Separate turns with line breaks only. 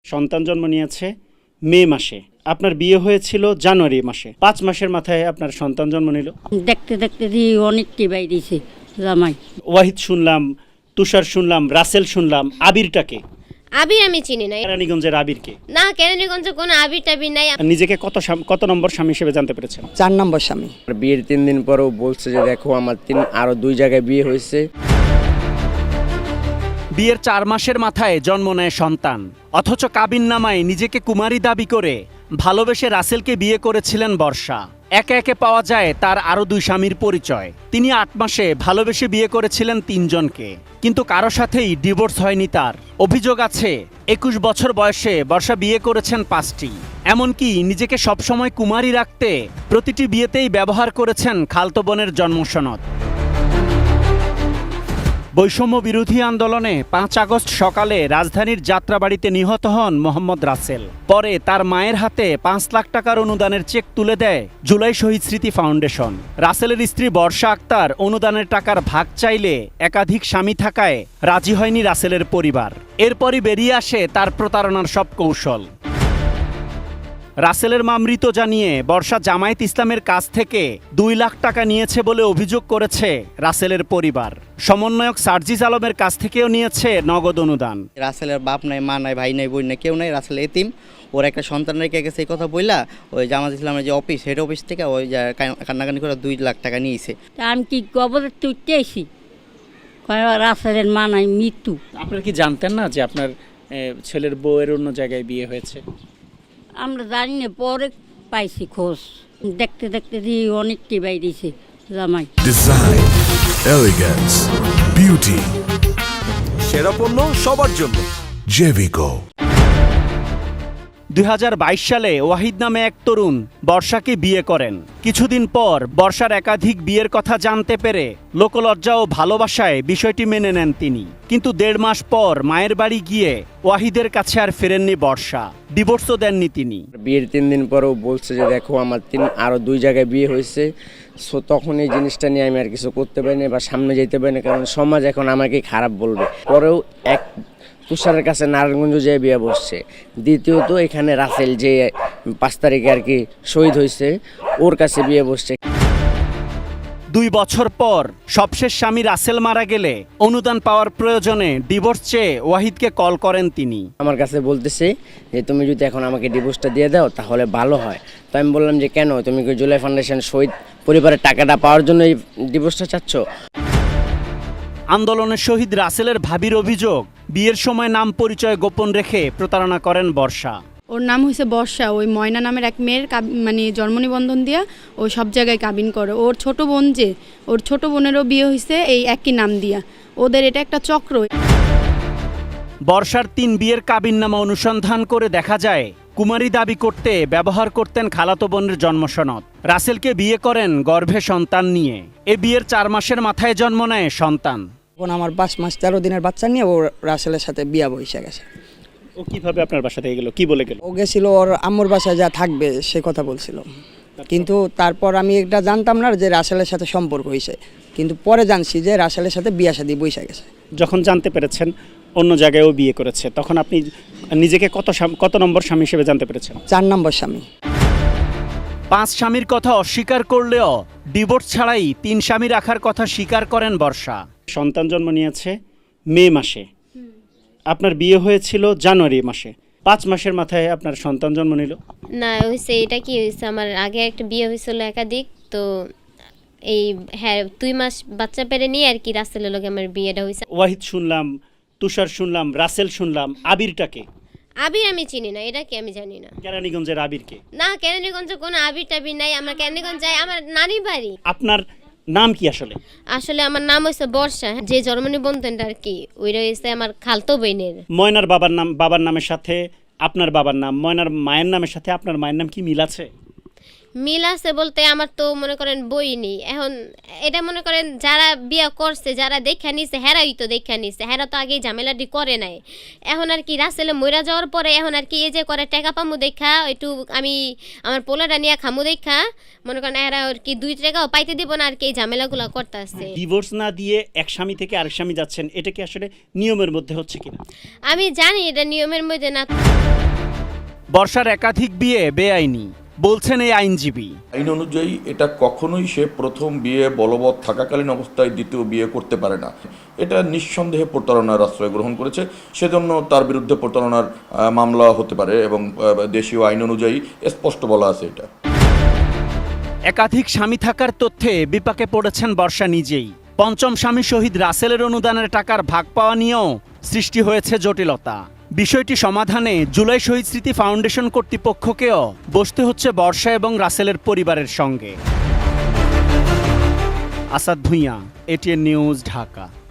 সন্তান জন্ম নিয়েছে মে মাসে, আপনার বিয়ে হয়েছিল জানুয়ারি মাসে, 5 মাসের মাথায় আপনার সন্তান জন্ম নিল।
দেখতে দেখতে অনেকটি বাইরেছে জামাই।
ওয়াহিদ শুনলাম, তুষার শুনলাম, রাসেল শুনলাম, আবিরটাকে?
আবির আমি চিনি না।
কেরানীগঞ্জের আবিরকে?
না, কেরানীগঞ্জে কোনো আবির টাবির নাই।
নিজেকে কত নম্বর স্বামী হিসেবে জানতে পেরেছেন?
4 নম্বর স্বামী।
বিয়ের 3 দিন পরেও বলছে যে দেখো আমার আরো 2 জায়গায় বিয়ে হয়েছে।
বিয়ের 4 মাসের মাথায় জন্ম নেয় সন্তান, অথচ কাবিননামায় নিজেকে কুমারী দাবি করে ভালোবেসে রাসেলকে বিয়ে করেছিলেন বর্ষা। একে একে পাওয়া যায় তার আরও 2 স্বামীর পরিচয়। তিনি 8 মাসে ভালোবেসে বিয়ে করেছিলেন 3 জনকে, কিন্তু কারো সাথেই ডিভোর্স হয়নি তার। অভিযোগ আছে 21 বছর বয়সে বর্ষা বিয়ে করেছেন 5টি। এমনকি নিজেকে সবসময় কুমারী রাখতে প্রতিটি বিয়েতেই ব্যবহার করেছেন খালতো বোনের জন্মসনদ। বৈষম্য বিরোধী আন্দোলনে 5 আগস্ট সকালে রাজধানীর যাত্রাবাড়িতে নিহত হন মোহাম্মদ রাসেল। পরে তার মায়ের হাতে 5 লাখ টাকার অনুদানের চেক তুলে দেয় জুলাই শহীদ স্মৃতি ফাউন্ডেশন। রাসেলের স্ত্রী বর্ষা আক্তার অনুদানের টাকার ভাগ চাইলে একাধিক স্বামী থাকায় রাজি হয়নি রাসেলের পরিবার। এরপরই বেরিয়ে আসে তার প্রতারণার সব কৌশল। রাসেলের মা মৃত জানিয়ে বর্ষা জামায়াত ইসলামের কাছ থেকে 2 লাখ টাকা নিয়েছে বলে অভিযোগ করেছে রাসেলের পরিবার। সমন্বয়ক সার্জিস আলমের কাছ থেকেও নিয়েছে নগদ অনুদান।
রাসেলের বাপ নাই, মা নাই, ভাই নাই, বোন নাই, কেউ নাই। রাসেল এতিম। ওর একটা সন্তান রেখে গেছে, এই কথা বললা ওই জামাত ইসলামের যে অফিস, হেড অফিস থেকে ওই কান্নাকানি করে 2 লাখ টাকা নিয়েছে।
আমি কি কবরে তুলতেছি, রাসেলের মা নাই, মৃত্যু।
আপনারা কি জানতেন না যে আপনার ছেলের বউয়ের অন্য জায়গায় বিয়ে হয়েছে?
আমরা জানি না, পরে পাইছি খোঁজ। দেখতে দেখতে অনেকটি বাইরেছে জামাই।
ডিজাইন, এলিগেন্স, বিউটি,
সেরা পণ্য সবার জন্য
জেভিকো।
2022 সালে ওয়াহিদ নামে এক তরুণ বর্ষাকে বিয়ে করেন। কিছুদিন পর বর্ষার একাধিক বিয়ের কথা জানতে পেরে লোকলজ্জা ও ভালোবাসায় বিষয়টি মেনে নেন তিনি। কিন্তু 1.5 মাস পর মায়ের বাড়ি গিয়ে ওয়াহিদের কাছে আর ফেরেননি বর্ষা, ডিভোর্সও দেননি তিনি।
বিয়ের 3 দিন পরেও বলছে যে দেখো আমার আরো 2 জায়গায় বিয়ে হয়েছে। সো তখন এই জিনিসটা নিয়ে আমি আর কিছু করতে পারি না বা সামনে যেতে পারি না, কারণ সমাজ এখন আমাকে খারাপ বলবে। পরেও এক তুষারের কাছে নারায়ণগঞ্জ যেয়ে বিয়ে বসছে। দ্বিতীয়ত এখানে রাসেল যে 5 তারিখে আর কি শহীদ হয়েছে, ওর কাছে বিয়ে বসছে।
2 বছর পর সবশেষ স্বামী রাসেল মারা গেলে অনুদান পাওয়ার প্রয়োজনে ডিভোর্স চেয়ে ওয়াহিদকে কল করেন তিনি।
আমার কাছে বলতেছে যে তুমি যদি এখন আমাকে ডিভোর্সটা দিয়ে দাও তাহলে ভালো হয়। তো আমি বললাম যে কেন, তুমি কি জুলাই ফাউন্ডেশন শহীদ পরিবারের টাকাটা পাওয়ার জন্য এই ডিভোর্সটা চাচ্ছ?
আন্দোলনের শহীদ রাসেলের ভাবির অভিযোগ, বিয়ের সময় নাম পরিচয় গোপন রেখে প্রতারণা করেন বর্ষা।
ওর নাম হয়েছে বর্ষা, ওই ময়না নামের এক মেয়ের মানে জন্ম নিবন্ধন দিয়া ও সব জায়গায় কাবিন করে। ওর ছোট বোন যে, ওর ছোট বোনেরও বিয়ে হয়েছে এই একই নাম দিয়া। ওদের এটা একটা চক্র।
বর্ষার 3 বিয়ের কাবিননামা অনুসন্ধান করে দেখা যায় কুমারী দাবি করতে ব্যবহার করতেন খালাতো বোনের জন্মসনদ। রাসেলকে বিয়ে করেন গর্ভে সন্তান নিয়ে। এ বিয়ের 4 মাসের মাথায় জন্ম নেয় সন্তান।
এখন আমার 5 মাস 13 দিনের বাচ্চা নিয়ে ও রাসেলের সাথে বিয়া বসে গেছে।
ও কিভাবে আপনার বাসা থেকে গেল, কি বলে গেল?
ও গেছিল ওর আম্মুর বাসায় যা থাকবে সে কথা বলছিল, কিন্তু তারপর আমি এটা জানতাম না যে রাসেলের সাথে সম্পর্ক হয়েছে, কিন্তু পরে জানছি যে রাসেলের সাথে বিয়া শাদী বসে গেছে।
যখন জানতে পেরেছেন অন্য জায়গায়ও বিয়ে করেছে, তখন আপনি নিজেকে কত নম্বর স্বামী হিসেবে জানতে পেরেছেন?
4 নম্বর স্বামী।
5 স্বামীর কথা অস্বীকার করলেও ডিভোর্স ছাড়াই 3 স্বামী রাখার কথা স্বীকার করেন বর্ষা।
সন্তান জন্ম নিয়েছে মে মাসে, আপনার বিয়ে হয়েছিল জানুয়ারি মাসে, 5 মাসের মাথায় আপনার সন্তান জন্ম নিল।
না হয়েছে, এটা কি হয়েছে, আমার আগে একটা বিয়ে হয়েছিল একাধিক, তো এই হ্যাঁ 2 মাস বাচ্চা পেরে নিয়ে আর কি রাসেলের লগে আমার বিয়েটা হয়েছে।
ওয়াহিদ শুনলাম, তুষার শুনলাম, রাসেল শুনলাম, আবিরটাকে?
আবির আমি চিনি না, এটা কি আমি জানি না।
কেরানীগঞ্জের আবিরকে?
না, কেরানীগঞ্জে কোনো আবির টাবির নাই। আমার কেরানীগঞ্জ যায় আমার নানি বাড়ি।
আপনার নাম কি আসলে?
আসলে আমার নাম হয়েছে বর্ষা, যে জন্ম নিবন্ধনটা আর কি ওইটা হয়েছে আমার খালতো বোনের।
ময়নার বাবার নামের সাথে আপনার বাবার নাম, ময়নার মায়ের নামের সাথে আপনার মায়ের নাম কি মিল আছে?
মিল আছে বলতে আমার তো মনে করেন বই নেই এখন। এটা মনে করেন যারা বিয়ে করছে, যারা দেখা নিছে, হেরাই তো দেখা নিছে, হেরা তো আগেই ঝামেলাটি করে নাই। এখন আর কি রাসেলে মইরা যাওয়ার পরে এখন আর কি এই যে করে টাকা পামু দেখা একটু আমি আমার পোলাটা নিয়ে খামু দেখা মনে করেন এরা আর কি 2 টাকাও পাইতে দিব না আর কি এই ঝামেলাগুলো করতে আসছে।
ডিভোর্স না দিয়ে এক স্বামী থেকে আরেক স্বামী যাচ্ছেন, এটা কি আসলে নিয়মের মধ্যে হচ্ছে কিনা?
আমি জানি এটা নিয়মের মধ্যে না।
বর্ষার একাধিক বিয়ে বেআইনি বলছেন এই আইনজীবী।
আইন অনুযায়ী এটা কখনোই সে প্রথম বিয়ে বলবৎ থাকাকালীন অবস্থায় দ্বিতীয় বিয়ে করতে পারে না। এটা নিঃসন্দেহে প্রতারণার আশ্রয় গ্রহণ করেছে, সেজন্য তার বিরুদ্ধে প্রতারণার মামলা হতে পারে এবং দেশীয় আইন অনুযায়ী স্পষ্ট বলা আছে এটা।
একাধিক স্বামী থাকার তথ্যে বিপাকে পড়েছেন বর্ষা নিজেই। পঞ্চম স্বামী শহীদ রাসেলের অনুদানের টাকার ভাগ পাওয়া নিয়েও সৃষ্টি হয়েছে জটিলতা। বিষয়টি সমাধানে জুলাই শহীদ স্মৃতি ফাউন্ডেশন কর্তৃপক্ষকেও বসতে হচ্ছে বর্ষা এবং রাসেলের পরিবারের সঙ্গে। Asad Bhuiyan, ATN News, Dhaka.